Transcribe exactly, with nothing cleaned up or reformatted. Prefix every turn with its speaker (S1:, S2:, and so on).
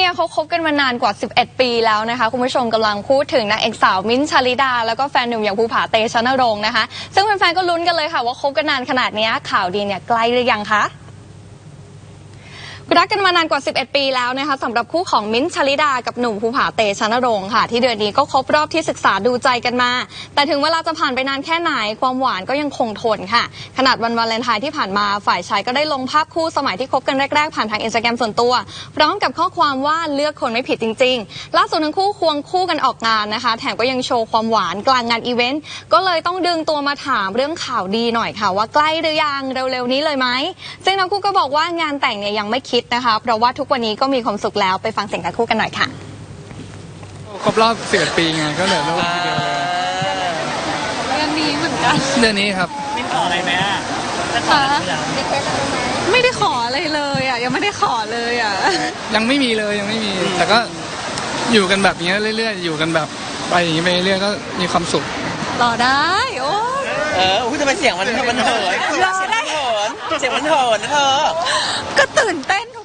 S1: เนี่ยเขาคบกันมานานกว่าสิบเอ็ดปีแล้วนะคะคุณผู้ชมกำลังพูดถึงนางเอกสาวมิ้นท์ชลิดาแล้วก็แฟนหนุ่มอย่างภูผาเตชะนรงค์นะคะซึ่งแฟนๆก็ลุ้นกันเลยค่ะว่าคบกันนานขนาดนี้ข่าวดีเนี่ยใกล้หรือยังคะรักกันมานานกว่าสิบเอ็ดปีแล้วนะคะสำหรับคู่ของมิ้นท์ชลิดากับหนุ่มภูผาเตชะนรงค์ค่ะที่เดือนนี้ก็ครบรอบที่ศึกษาดูใจกันมาแต่ถึงเวลาจะผ่านไปนานแค่ไหนความหวานก็ยังคงทนค่ะขนาดวันวาเลนไทน์ที่ผ่านมาฝ่ายชายก็ได้ลงภาพคู่สมัยที่คบกันแรกๆผ่านทางอินสตาแกรมส่วนตัวพร้อมกับข้อความว่าเลือกคนไม่ผิดจริงๆล่าสุดทั้งคู่ควงคู่กันออกงานนะคะแถมก็ยังโชว์ความหวานกลางงานอีเวนต์ก็เลยต้องดึงตัวมาถามเรื่องข่าวดีหน่อยค่ะว่าใกล้หรือยังเร็วๆนี้เลยไหมซึ่งทั้งคู่ก็บอกว่างานแต่งเนี่ยยังไม่คิดนะคะเพราะว่าทุกวันนี้ก็มีความสุขแล้วไปฟังเสียงทั้งคู่กันหน่อยค่ะ
S2: ครบรอบสิบเอ็ดปีไงก็เหลือรอบทีเดียวเลย
S1: เดือนนี้เหมือนกัน
S2: เดือนนี้ครับ
S3: มิ้นขออะไรไหมอ่ะจะขออะไร
S1: ไม่ได้ขออะไรเลยอ่ะยังไม่ได้ขอเลยอ่ะ
S2: ยังไม่มีเลยยังไม่มีแต่ก็อยู่กันแบบนี้เรื่อยๆอยู่กันแบบไปอย่างนี้ไปเรื่อยๆก็มีความสุข
S1: รอได้โอ้
S3: เอออุ้ยทำไมเสียงมันมันเหิน
S1: รอได้
S3: เหินเสียงมันเหินนะเธอ
S1: ก็ตื่นเต้น